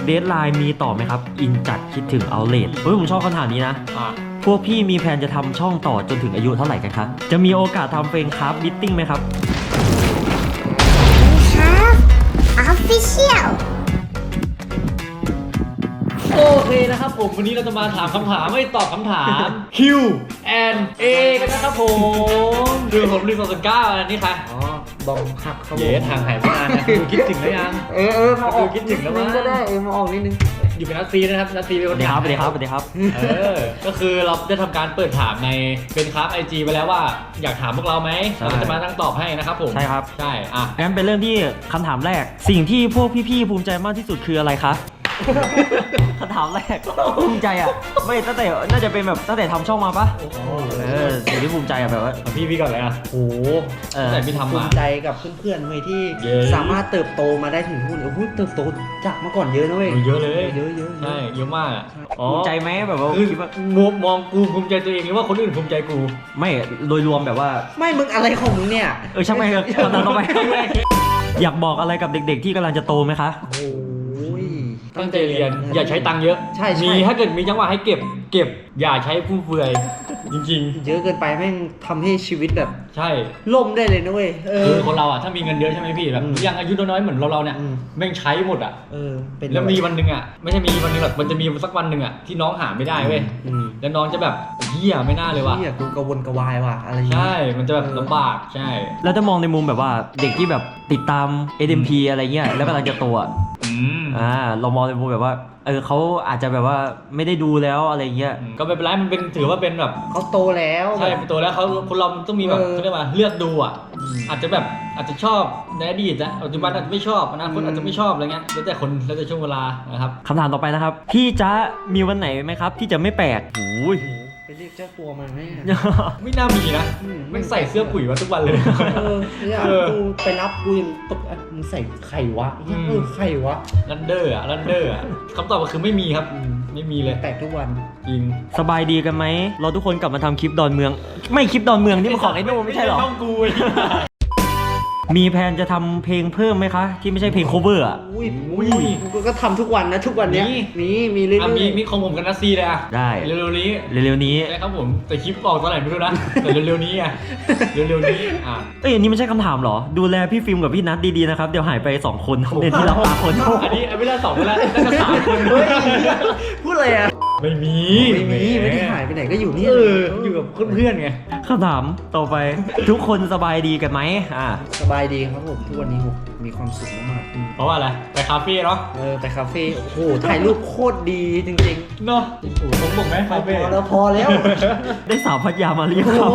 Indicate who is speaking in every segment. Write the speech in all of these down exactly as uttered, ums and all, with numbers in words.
Speaker 1: เดดไลน์มีต่อไหมครับอินจัดคิดถึงเอาเลทเฮ้ยผมชอบคำถามนี้นะพวกพี่มีแผนจะทำช่องต่อจนถึงอายุเท่าไหร่กันครับจะมีโอกาสทำเฟรนคราฟมิทติ้งไหมครับ
Speaker 2: ครับ Official
Speaker 3: โอเคนะครับผมวันนี้เราจะมาถามคำถามไม่ตอบคำถาม Q and A กันนะครับผมดูผมรีสอร์ทเก้าอันนี้ค่ะ
Speaker 4: อ๋อบอมหักเขา
Speaker 3: เย้ทางหายไปนานนะดูคิดถึงแล้วยัง
Speaker 4: เออเออมาออก
Speaker 3: คิดถึงแล้วมั้ง
Speaker 4: ก็ได้เออมาออกนิดนึง
Speaker 3: อยู่เป็นนัดซีนะครับนัดซีเป็น
Speaker 1: ส
Speaker 3: ค
Speaker 1: วัน สดีครับสวัสดีครับสวัสดีครับ
Speaker 3: เออก็คือเราได้ทำการเปิดถามในเป็นครับไอจีไปแล้วว่าอยากถามพวกเราไหมเราจะมาตั้งตอบให้นะครับผม
Speaker 1: ใช่ครับ
Speaker 3: ใช่อ่ะ
Speaker 1: งั้นเป็นเรื่องที่คำถามแรกสิ่งที่พวกพี่ๆภูมิใจมากที่สุดคืออะไรคะคำถามแรกภูมิใจอ่ะไม่ตั้งแต่น่าจะเป็นแบบตั้งแต่ทำช่องมาปะเออสิ่งที่ภูมิใจอ่ะแบบว่า
Speaker 3: พี่พี่ก่อนเลยอ่ะ
Speaker 4: โอ้โห
Speaker 3: แต่พี่ทำ
Speaker 4: ภู
Speaker 3: มา
Speaker 4: มิใจกับเพื่อนๆเว้ยที่สามารถเติบโตมาได้ถึงทุกวันโอ้โหเติบโตจากเมื่อก่อนเยอะนะเว้ย
Speaker 3: เยอะเลย
Speaker 4: เยอะเยอะ
Speaker 3: ใช่เยอะมากอ่ะ
Speaker 1: ภูมิใจไหมแบบว่าคิดว่
Speaker 3: ามองมองกูภูมิใจตัวเองหรือว่าคนอื่นภูมิใจกู
Speaker 1: ไม่โดยรวมแบบว่า
Speaker 4: ไม่มึงอะไรของมึงเนี่ย
Speaker 1: เออช่างไม่ครับคำถามต่อไปอยากบอกอะไรกับเด็กๆที่กำลังจะโตไหมคะ
Speaker 4: โอ้ย
Speaker 3: ตั้งใจเรียนอย่าใช้ตังค์เยอะ
Speaker 4: ใช่
Speaker 3: มีถ้าเกิดมีจังหวะให้เก็บเก็บอย่าใช้ฟุ่มเฟือยจริง
Speaker 4: ๆเยอะเกินไปแม่งทำให้ชีวิตแบบ
Speaker 3: ใช่
Speaker 4: ล่มได้เลยนะเว้ยเออ
Speaker 3: คนเราอ่ะถ้ามีเงินเยอะใช่ไหมพี่แบบยังอายุน้อยๆเหมือนเราเราเนี่ยแม่งใช้หมดอ่ะ
Speaker 4: เออ
Speaker 3: แล้วมีวันหนึ่งอ่ะไม่ใช่มีวันหนึ่งหรอกมันจะมีสักวันหนึ่งอ่ะที่น้องหาไม่ได้เว้ยแล้วน้องจะแบบเฮียไม่น่าเลยว่ะ
Speaker 4: เฮียกูกระวนกระวายว่ะอะไร
Speaker 3: ใช่มันจะแบบลำบากใช่
Speaker 1: แล้วจะมองในมุมแบบว่าเด็กที่แบบติดตาม เอ เอ็ม พี อะไรเงี้ยแล้วกำลังจะโตอ่ะอ่าเรามองในมุมแบบว่าเออเขาอาจจะแบบว่าไม่ได้ดูแล้วอะไรเงี้ย
Speaker 3: ก็ไม่เป็นไรมันเป็นถือว่าเป็นแบบ
Speaker 4: เขาโตแล้ว
Speaker 3: ใช่โตแล้วเขาคนเราต้องมีแบบเขาเรียกว่าเลือกดูอ่ะอาจจะแบบอาจจะชอบในอดีตนะปัจจุบันอาจจะไม่ชอบอนาคตอาจจะไม่ชอบอะไรเงี้ยแล้วแต่คนแล้วแต่ช่วงเวลานะครับ
Speaker 1: คำถามต่อไปนะครับพี่จ๊ะมีวันไหนไหมครับที่จะไม่แปลกโอ้ย
Speaker 4: ไปเรียกเจ้าตัวมาไหม
Speaker 3: ไม่น่ามีนะไม่ใส่เสื้อปุ๋ยมาทุกวันเลย
Speaker 4: เออเนี่ยกูไปรับกูยังตกมึงใส่ไข่วะเออไข่วะ
Speaker 3: ลันเดอร์อะลันเดอร์อะคำตอบก็คือไม่มีครับไม่มีเลย
Speaker 4: แปลกทุกวัน
Speaker 1: จริงสบายดีกันไหมเราทุกคนกลับมาทำคลิปดอนเมืองไม่คลิปดอนเมืองนี่มันของไอ้โน่ไม่ใช่หรอ
Speaker 3: ต้องกู
Speaker 1: มีแผนจะทำเพลงเพิ่มไหมคะที่ไม่ใช่เพลง cover อ่ะ
Speaker 4: อุ้ยอุ้ยกูก็ทำทุกวันนะทุกวันเนี้ยมีมีเรื่อย
Speaker 3: ๆมีมีของผมกับนัสซีเลยอ่ะ
Speaker 1: ได้
Speaker 3: เร็วๆนี้
Speaker 1: เร็วๆนี้
Speaker 3: ใช่ครับผมแต่คลิปออกตอนไหนไม่รู้นะแต่เร็วๆนี้อ่ะเร็วๆนี้อ่ะ
Speaker 1: เอ้ยอันนี้ไม่ใช่คำถามหรอดูแลพี่ฟิล์มกับพี่นัทดีๆนะครับเดี๋ยวหายไปสองคนเด่นที่รับตาคน
Speaker 3: อันนี้ไม่ได้สองคนแล้วน่าจะสามคน
Speaker 4: พูดอะไรอ่ะ
Speaker 3: ไม่มี
Speaker 4: ไม่มีไม่ได้หายไปไหนก็อยู่นี่
Speaker 3: เอออยู่กับเพื่อนๆไง
Speaker 1: คำถามต่อไปทุกคนสบายดีกันไหมอ่า
Speaker 4: สบายดีครับผมทุกวันนี้ผมมีความสุขมาก
Speaker 3: ๆเพราะว่าอะไรไปคาเฟ่เนาะ
Speaker 4: เออไปคาเฟ่โอ้โหถ่ายรูปโคตรดีจริง
Speaker 3: ๆเนาะผมบอกไหมคาเฟ่
Speaker 4: พอแล้วพอแล้ว
Speaker 1: ได้สาวพัทยามาเรียกเขา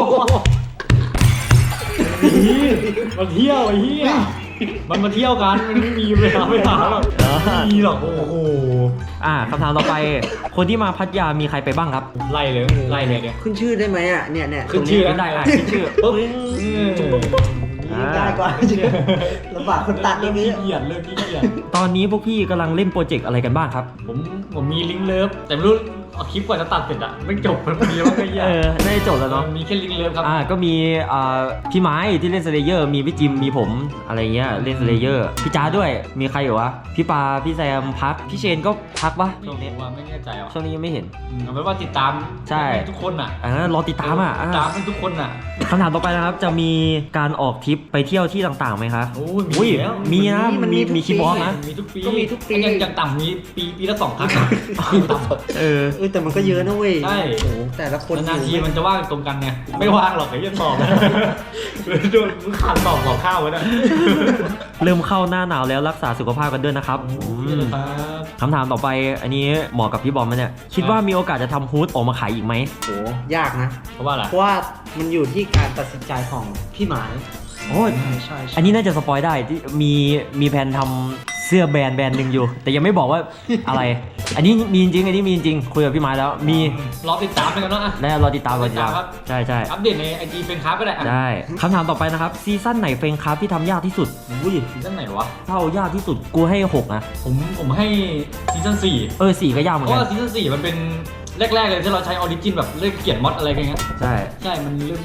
Speaker 3: มาเที่ยวไอ้เหี้ยมันมาเที่ยวกันมันไม่มีเวลาไม่หาหรอกมีหรอกโอ้โห
Speaker 1: อ่าคำถามต่อไปคนที่มาพัทยามีใครไปบ้างครับ
Speaker 3: ไล่เลยไล่เลยเนี่ย
Speaker 4: ขึ้นชื่อได้ไหมอ่ะเนี่ยเนี่ย
Speaker 3: ขึ้นชื่อ
Speaker 1: ได้อ่ะขึ้นชื่อ
Speaker 4: ปุ๊บง่ายกว่าลำบากคนตัด
Speaker 3: เรื่
Speaker 4: อง
Speaker 3: นี้เกียดเรื่องนี้เกียด
Speaker 1: ตอนนี้พวกพี่กำลังเล่นโปรเจกต์อะไรกันบ้างครับ
Speaker 3: ผมผมมีลิงก์เลิฟแต่ไม่รู้เอาคลิปกว่าจะตัดเสร็จอะไม่จบมันมีว่าไม่ยาก
Speaker 1: เออไม่จบแล้วเนาะ
Speaker 3: มีแค่ลิงก์เลิฟครับ
Speaker 1: อ่าก็มีอ่าพี่ไม้ที่เล่นสเลเยอร์มีพี่จิมมีผมอะไรเงี้ยเล่นสเลเยอร์พี่จ้าด้วยมีใครอยู่วะพี่ปาพี่แซมพักพี่เชนก็พักปะ
Speaker 3: ช่วงนี้ว่าไม่แน่ใจอ่ะ
Speaker 1: ช่วงนี้ยังไม่เห็น
Speaker 3: เอาเป็นว่าติดตาม
Speaker 1: ใช่
Speaker 3: ทุกคนอ่ะ
Speaker 1: อ่ารอติดตามอ่ะ
Speaker 3: ติดตามทุกคนอ่ะ
Speaker 1: คำถามต่อไปนะครับจะมีการออกทริปไปเที่ยวที่ต่างๆไหมคะ
Speaker 3: โอ้ยมีแล้ว
Speaker 1: มีนะมันมีมีคลิปบล็อกนะ
Speaker 3: มีทุกปีก็มีทุกปียังต่ำมีปีปีละสองครั้ง
Speaker 1: เออ
Speaker 4: เออแต่มันก็เยอะนะเว้ย
Speaker 3: ใช่
Speaker 4: โอ้แต่ละคน
Speaker 3: นานทีมันจะว่างตรงกันไงไม่ว่างหรอกไอ้ยันตอบโดนมึงขาดตอบหลอกข้าวไว้นะ
Speaker 1: เริ่มเข้าหน้าหนาวแล้วรักษาสุขภาพกันด้วยนะครับคำถามต่อไปอันนี้เหมาะกับพี่บอมไหมเนี่ยคิดว่ามีโอกาสจะทำฮูดออกมาขายอีกไหม
Speaker 4: โหยากนะ
Speaker 3: เพราะว่าอะไร
Speaker 4: เพราะว่ามันอยู่ที่การตัดสินใจของพี่หมาย
Speaker 1: โอ้ยใช่อันนี้น่าจะสปอยได้ที่มีมีแผนทำเสื้อแบรนด์แบรนด์หนึ่งอยู่แต่ยังไม่บอกว่าอะไรอันนี้มีจริงอันนี้มีจริงคุยกับพี่ไม้แล้วมี
Speaker 3: รอติดตามกันเนาะ
Speaker 1: แล้วรอติดตามรอติดตามใช่ใช่
Speaker 3: อัปเดตในไอจีเฟนคราฟก็ได้
Speaker 1: ได้คำถามต่อไปนะครับซีซั่นไหนเฟนคราฟที่ทำยากที่สุด
Speaker 3: อุ้ยซีซั่นไหนวะ
Speaker 1: เท่ายากที่สุดกูให้หกนะ
Speaker 3: ผมผมให้ซีซั่นสี่
Speaker 1: เออสี่ก็ยากเหมือนกัน
Speaker 3: เพราะว่าซีซั่นสี่มันเป็นแรกๆเลยที่เราใช้ออริจินแบบเล่นเขียนมอดอะไรกันเงี้ย
Speaker 1: ใช่
Speaker 3: ใช่มันเรื่องยาก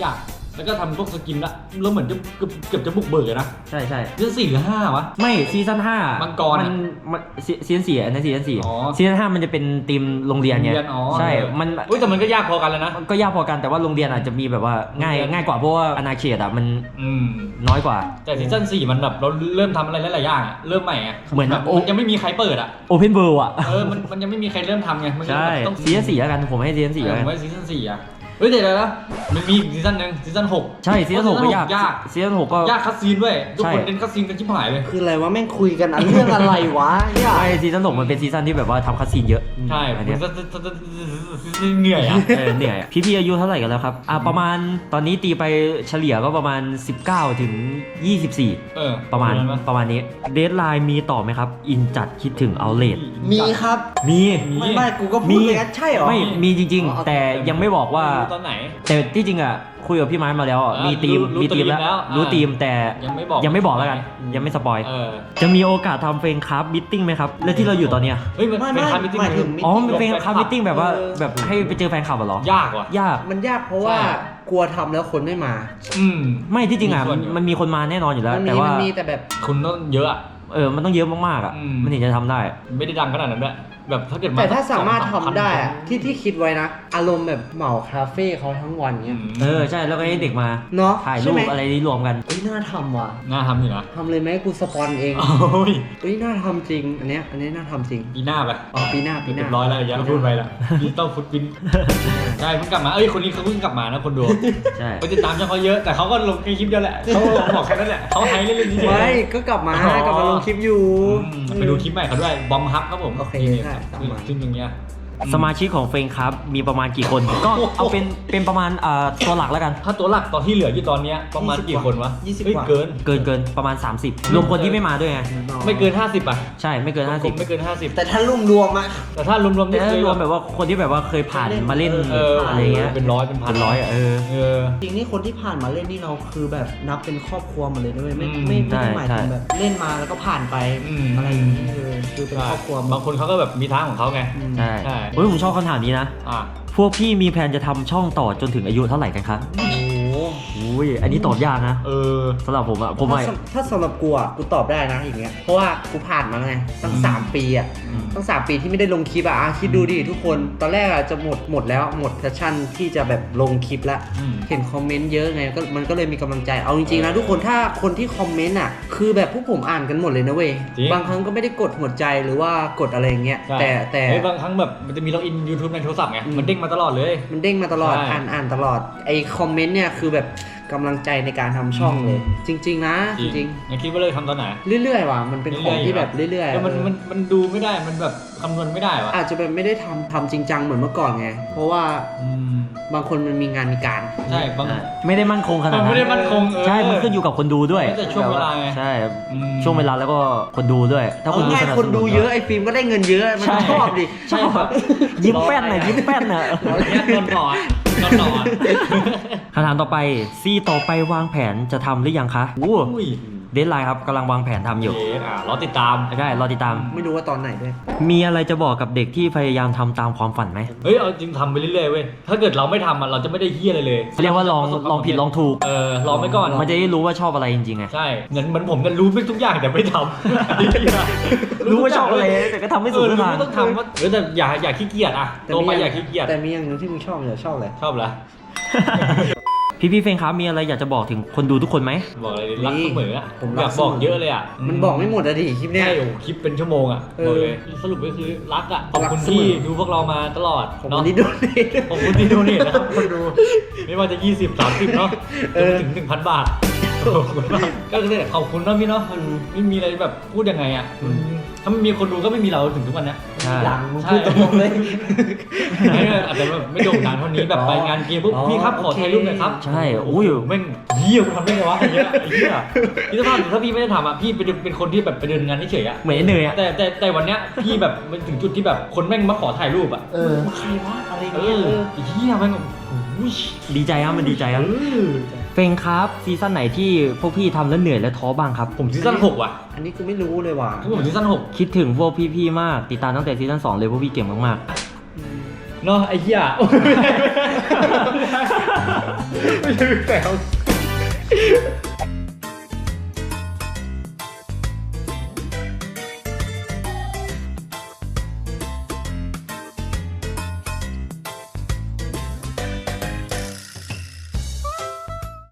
Speaker 3: แล้วก็ทำพวกสกินละแล้วเหมือนจะเกือบเกือบจะบุกเบิกเลยนะ
Speaker 1: ใช่ใช่
Speaker 3: ซีซั่นสี่หรือห้าวะ
Speaker 1: ไม่ซีซั่นห้า
Speaker 3: มั
Speaker 1: มั
Speaker 3: งกรอะ
Speaker 1: มันซีซีซั่นสี่อันนั้นซีซั่นสี่
Speaker 3: อ๋อ
Speaker 1: ซีซั่นห้ามันจะเป็นทีมโรงเรียนไง
Speaker 3: โรงเรียนอ๋อ
Speaker 1: ใช่มัน
Speaker 3: อุ้ยแต่มันก็ยากพอกันแล้วนะ
Speaker 1: ก็ยากพอกันแต่ว่าโรงเรียนอาจจะมีแบบว่าง่าย
Speaker 3: โรงเรียน
Speaker 1: ง่ายกว่าเพราะว่าอาณาเขตอ่ะมัน
Speaker 3: อืม
Speaker 1: น้อยกว่า
Speaker 3: แต่ซีซั่นสี่มันแบบเราเริ่มทำอะไรหลายๆอย่างอะเริ่มใหม่อะ
Speaker 1: เหมือน
Speaker 3: แบบ
Speaker 1: โอ้
Speaker 3: มันยังไม่มีใครเปิดอะ
Speaker 1: โอเพนเวิลด์อ่ะ
Speaker 3: เออมันมันยังไม่มีใครเริ่มทำไงมันก็
Speaker 1: ใช่
Speaker 3: แบบต้อง
Speaker 1: ซีซั่นสี่แล้วกันผมให้ซีซั่นสี่
Speaker 3: เอ
Speaker 1: แล้ว
Speaker 3: อ
Speaker 1: กัน
Speaker 3: ไว้ซีซั่นสี่อะเฮ้ยเดี๋ยวนะมันมีอีกซีซั่นหนึ่งซีซั่นหก
Speaker 1: ใช่ซีซั่นหกก็ยาก
Speaker 3: ยาก
Speaker 1: ซีซั่นหกก็
Speaker 3: ยากคัดซีนด้วยทุก
Speaker 1: ใช่
Speaker 3: คนเน้นคัดซีนกันชิบหายเลย
Speaker 4: คืออะไรวะแม่งคุยกันอันเรื่องอะไรวะเนี่ย
Speaker 1: ใช่ซีซั่นหกมันเป็นซีซั่นที่แบบว่าทำคัสซีนเยอะ
Speaker 3: ใช่
Speaker 1: อัน
Speaker 3: มั
Speaker 1: เนี้
Speaker 3: น
Speaker 1: ย
Speaker 3: จะจะจะจะเหนื่อยอะ
Speaker 1: เออเหนื่อยอะพี่พี่อายุเท่าไหร่กันแล้วครับอ่ะประมาณตอนนี้ตีไปเฉลี่ยก็ประมาณสิบเก้าถึงยี่สิบสี่
Speaker 3: เออ
Speaker 1: ประมาณ
Speaker 3: นั้นป
Speaker 1: ประมาณนี้เดทไลน์มีต่อไหมครับ อินจัดคิดถึงเอาเลท
Speaker 4: มีครับ
Speaker 1: มี
Speaker 4: ไม่ไม่กูก็พูดเลยนะใช่เหรอ
Speaker 1: ไม่มีจริง
Speaker 4: อ๋อ
Speaker 1: ๆ แต่ยังไม่บอกว่า
Speaker 3: ไม่รู้ตอนไหน
Speaker 1: แต่ที่จริงอ่ะคุยกับพี่ไม้มาแล้วอ่ะ
Speaker 3: อ่า
Speaker 1: มีทีม
Speaker 3: รู้
Speaker 1: มีทีม
Speaker 3: รู้
Speaker 1: แล้ว
Speaker 3: แล้ว
Speaker 1: รู้
Speaker 3: อ่า
Speaker 1: ทีมแต่
Speaker 3: ยังไม่บอก
Speaker 1: ยังไม่บอกแล้วกัน ยังไม่สปอย
Speaker 3: เออ
Speaker 1: จะมีโอกาสทำเฟรนคราฟมิทติ้งไหมครับแล้วที่เราอยู่ตอนเนี้ย
Speaker 3: เฮ้ยมัน
Speaker 4: ไม่
Speaker 3: เป็น
Speaker 4: ไม่
Speaker 3: คาร์มิติ้ง
Speaker 4: หมายถึง
Speaker 1: อ๋อมันเป็นคราฟมิทติ้งแบบว่า
Speaker 4: เออ
Speaker 1: แบบให้ไปเจอแฟนคลับเหรอ
Speaker 3: ยากว่ะ
Speaker 1: ยาก
Speaker 4: มันยากเพราะว่า
Speaker 3: ใช่
Speaker 4: กลัวทำแล้วคนไม่มา
Speaker 3: อืม
Speaker 1: ไม่ที่จริงอ่ะ
Speaker 3: มีส่วนอยู่
Speaker 1: มันมีคนมาแน่นอนอยู่แล้ว
Speaker 4: มัน
Speaker 1: แต่
Speaker 4: มี
Speaker 1: ว่า
Speaker 4: มันมีแต่แบบ
Speaker 3: คุณต้องเยอะอะ
Speaker 1: เออมันต้องเยอะมากๆอ่ะ
Speaker 3: อืม
Speaker 1: มันถึงจะทำได้
Speaker 3: ไม่ได้ดังขนาดนั้นด้วยแบบถ้าเกิด
Speaker 4: แต่ถ้าสามารถ
Speaker 3: สอง
Speaker 4: ทำ
Speaker 3: สามพัน
Speaker 4: ได้อะที่ที่คิดไว้นะ อารมณ์แบบเหมาคาเฟ่เขาทั้งวัน
Speaker 3: อื
Speaker 4: เงี้ย
Speaker 3: ม
Speaker 1: เออใช่แล้วก็ให้เด็กมา
Speaker 4: เนาะ
Speaker 1: ถ่ายรู
Speaker 4: ใช่ไห
Speaker 1: ป
Speaker 4: ม
Speaker 1: อะไรนี้รวมกัน
Speaker 4: เอ้ยน่าทำว่ะ
Speaker 3: น่าทำอยู่นะ
Speaker 4: ทำเลยไหมกูสปอนเอง
Speaker 3: โอ้ย
Speaker 4: เอ้ยน่าทำจริง อันเนี้ยอันนี้น่าทำจริง
Speaker 3: ปีหน้าไป
Speaker 4: อ๋อปีหน้าปีห
Speaker 3: เรี
Speaker 4: น้าย
Speaker 3: บร้อยแล้วอย่าพูดไปละดิจิตอลฟุตพิ้นใช่เพิ่งกลับมาเอ้ยคนนี้เขาเพิ่งกลับมานะคนดู
Speaker 1: ใช่
Speaker 3: ไปติดตามช่องเขาเยอะแต่เขาก็ลงแค่คลิปเดียวแหละเขาบอกแค่นั้นแหละเขาไฮเล่นๆเฉยๆ
Speaker 4: ไม่ก็กลับมากลับมาลงคลิปอยู่
Speaker 3: อืมไปดูคลิปใหม่เขาด้วยบอมฮับครับผม
Speaker 4: โอเค
Speaker 3: นี่
Speaker 4: ใช่ตามมา
Speaker 3: ซึ่งอย่างเงี้ย
Speaker 1: สมาชิกของเฟรนครับมีประมาณกี่คน ก็เอาเป็นเป็นประมาณอ่าตัวหลักแล้วกัน
Speaker 3: ถ้าตัวหลักตอนที่เหลืออยู่ตอนเนี้ยประมาณกี่คนวะ
Speaker 4: ยี่สิบ
Speaker 3: เฮ้ย
Speaker 4: กว่า
Speaker 3: เกิน
Speaker 1: เกินเกินประมาณ สามสิบ รวมคนที่ไม่มาด้วยไง
Speaker 3: ไม่เกินห้าสิบอ่ะ
Speaker 1: ใช่ไม่เกิน ห้าสิบ
Speaker 3: ไม่เกินห้าสิบ
Speaker 4: แต่ถ้ารวมรวมๆอะ
Speaker 3: แต่ถ้ารวมๆ
Speaker 1: แต่
Speaker 3: นี่
Speaker 1: ถ้า
Speaker 3: คือ
Speaker 1: รวมแบบว่าคนที่แบบว่าเคยผ่านมาเล่น
Speaker 3: เออ
Speaker 1: อะไรเงี้ย
Speaker 3: เป็นร้อยเป็นพัน
Speaker 1: เป็นร้อยอ่ะเออ
Speaker 3: เออ
Speaker 4: จริงนี่คนที่ผ่านมาเล่นนี่เราคือแบบนับเป็นครอบครัวหมาเลยด้วยไม่
Speaker 3: อืม
Speaker 4: ไม่ไม่ได้
Speaker 1: ใช่
Speaker 4: หมายถึง
Speaker 1: ใช่
Speaker 4: แบบเล่นมาแล้วก็ผ่านไป
Speaker 3: อืม
Speaker 4: อะไรอย่างนี้คือคือเป็นครอบครัว
Speaker 3: บางคนเขาก็แบบมีทางของเขาไง
Speaker 4: อืม
Speaker 1: ใช่
Speaker 3: ใช่
Speaker 1: เฮ้ยผมชอบคำถามนี้นะ
Speaker 3: อ่ะ
Speaker 1: พวกพี่มีแผนจะทำช่องต่อจนถึงอายุเท่าไหร่กันครับ
Speaker 4: โอ้โห
Speaker 1: อุ้ยอันนี้ตอบยากนะ
Speaker 3: เออ
Speaker 1: สำหรับผมอะผม
Speaker 4: ถ้า
Speaker 1: อะ
Speaker 4: สำถ้าสำหรับกูอ่ะกูตอบได้นะอย่างเงี้ยเพราะว่ากูผ่านมาไงตั้ง
Speaker 3: อืม
Speaker 4: สามปีอ่ะ
Speaker 3: อืม
Speaker 4: ตั้งสามปีที่ไม่ได้ลงคลิปอ่ะอ่ะคิดดูดิทุกคนตอนแรกอ่ะจะหมดหมดแล้วหมดแพชชั่นที่จะแบบลงคลิปละ
Speaker 3: อืม
Speaker 4: เห็นคอมเมนต์เยอะไงก็มันก็เลยมีกำลังใจเอาจริงๆนะทุกคนถ้าคนที่คอมเมนต์อ่ะคือแบบพวกผมอ่านกันหมดเลยนะเว้ย
Speaker 3: จริง
Speaker 4: บางครั้งก็ไม่ได้กดหัวใจหรือว่ากดอะไรอย่างเงี้ย
Speaker 3: ใช่
Speaker 4: แต่แต่
Speaker 3: เฮ้ยบางครั้งแบบมันจะมีล็อกอิน YouTube ในโทรศัพท์ไง
Speaker 4: อืม
Speaker 3: มันเด้งมาตลอดเลย
Speaker 4: มันเด้งมาตลอด
Speaker 3: ใช่
Speaker 4: อ่านอ่านตลอดไอ้คอมเมนต์เนี่ยคือแบบกำลังใจในการทำช่องเลย จริง ๆ นะ จริง
Speaker 3: ยังคิดว่าเลิกทำตอนไหน
Speaker 4: ๆ เรื่อยๆว่ะมันเป็นของที่แบบเรื่อยๆ
Speaker 3: แล้วมัน
Speaker 4: เออ
Speaker 3: มันมันดูไม่ได้มันแบบคำนวณไม่ได้วะ
Speaker 4: อาจจะแบบไม่ได้ทำทำจริงจังเหมือนเมื่อก่อนไง เพราะว่า
Speaker 3: อืม
Speaker 4: บางคนมันมีงานมีการ
Speaker 3: ใช่บาง
Speaker 1: อ่ะไม่ได้มั่นคงขนาด
Speaker 3: มัน
Speaker 1: นั้
Speaker 3: ไม่ได้
Speaker 1: น
Speaker 3: มั่นคงเออ
Speaker 1: ใช่ มันขึ้นอยู่กับคนดูด้วย
Speaker 3: แล้วแต่ช่วงเวลาไง
Speaker 1: ใช่
Speaker 3: อืม
Speaker 1: ช่วงเวลาแล้วก็คนดูด้วย ถ้าคนดู
Speaker 4: ง่าย
Speaker 1: สนับ
Speaker 4: คน
Speaker 1: สนุ
Speaker 4: ดู
Speaker 1: น
Speaker 4: เยอะไอ้ฟิล์มก็ได้เงินเยอะมัน
Speaker 1: ใช่
Speaker 4: ชอบดิ
Speaker 1: ใช่ครับยิ้มแป้นน่ะยิ้มแป้นน่ะ
Speaker 3: เนี่ยนอนหล่ออะนอนหล่ออะ
Speaker 1: คำถามต่อไปซีต่อไปวางแผนจะทำหรือยังคะอู้
Speaker 3: อุ้ย
Speaker 1: เดดไลน์ครับกำลังวางแผนทำอยู่
Speaker 3: เย้อ่ะรอติดตาม
Speaker 1: ได้รอติดตาม
Speaker 4: ไม่รู้ว่าตอนไหนด้วย
Speaker 1: มีอะไรจะบอกกับเด็กที่พยายามทำตามความฝันไหม
Speaker 3: เฮ้ย เอาจริงทำไปเรื่อยๆเว้ย ถ้าเกิดเราไม่ทำอ่ะ เราจะไม่ได้เฮี้ยอะไรเลย
Speaker 1: เรียกว่าลองลองผิดลองถูก
Speaker 3: เออ ลองไปก่อน
Speaker 1: มันจะได้รู้ว่าชอบอะไรจริงๆไง
Speaker 3: ใช่เหมือนเหมือนผมกันรู้ไม่ทุกอย่างแต่ไม่ทำ
Speaker 1: รู้ว่าชอบอะไรแต่ก็ทำไม่สุด
Speaker 3: เออรู้
Speaker 1: ทาง
Speaker 3: ว่าต้องทำว่าเออแต่อย่าอย่าขี้เกียจอ่ะ
Speaker 4: แต่
Speaker 3: โต
Speaker 4: มี
Speaker 3: ไป
Speaker 4: อย่าง
Speaker 3: อย่าขี้เกียจ
Speaker 4: แต่มีอย่างหนึงที่มึงชอบอย่าชอบเลย
Speaker 3: ชอบเหรอ
Speaker 1: พี่พี่ๆเฟงครับมีอะไรอยากจะบอกถึงคนดูทุกคนไหม
Speaker 3: บอกเลยรักเสมออ่ะ
Speaker 4: ผม
Speaker 3: อยากบอกเยอะเลยอ่ะ
Speaker 4: มันบอกไม่หมดอะดิคลิปเนี้ย
Speaker 3: ใช่โอ้โหคลิปเป็นชั่วโมงอ่ะ
Speaker 4: เออ
Speaker 3: บอกเลยสรุปก็คือรักอ่ะขอบคุณ
Speaker 4: รักเสมอ
Speaker 3: ที่ดูพวกเรามาตลอด
Speaker 4: ของ
Speaker 3: เนาะ
Speaker 4: คนที่ดูนี่
Speaker 3: ขอบคุณที่ดูนี่นะครับคนดู ไม่ว่าจะยี่สิบ สามสิบเนาะ
Speaker 4: เอ
Speaker 3: จน
Speaker 4: อ
Speaker 3: ถึงหนึ่งพันบาทขอบคุณมากก็คือขอบคุณเนาะพี่เนาะมันไม่มีอะไรแบบพูดยังไงอ่ะมันถ้าไม่มีคนดูก็ไม่มีเราถึงทุกวันเนี้ย
Speaker 1: ใช่
Speaker 4: หลังมึงพูดตรงๆเลย
Speaker 3: ไม่อาจจะแบบไม่โด่งดังเท่านี้แบบไปงานเกมปุ๊บ
Speaker 4: อ๋อ
Speaker 3: พี่ครับขอ
Speaker 4: โอเค
Speaker 3: ถ่ายรูปหน่อยครับ
Speaker 1: ใช่โอ้ย
Speaker 3: แม่งเหี้ยกูทำได้ไงวะอย่างเงี้ยไอ้เหี้ยพี่สภาพถ้าพี่ไม่ได้ทำอ่ะพี่เป็นเป็นคนที่แบบไปเดินงานเฉยๆอ่ะ
Speaker 1: เหมือนไอ้เนยอะ
Speaker 3: แต่แต่แต่วันเนี้ยพี่แบบมันถึงจุดที่แบบคนแม่งมาขอถ่ายรูปอ่ะ
Speaker 4: เออใครวะอะไร
Speaker 3: เอ
Speaker 4: เงี้ย
Speaker 3: อ
Speaker 4: เออ
Speaker 3: ไอ้เหี้ยแม่งโอ้ย
Speaker 1: ดีใจครับมันดีใจครับ
Speaker 3: เออ
Speaker 1: เฟงครับซีซั่นไหนที่พวกพี่ทำแล้วเหนื่อยและท้อบ้างครับ
Speaker 3: ผมซีซั่นหกว่ะ
Speaker 4: อันนี้กูไม่รู้เลยว่ะ
Speaker 3: ผมซีซั่นหก
Speaker 1: คิดถึงพวกพี่ๆมากติดตามตั้งแต่ซีซั่นสองเลยพวกพี่เก่งมาก
Speaker 3: เนาะไอ้เหี้ย
Speaker 5: ไม่ใช่แซว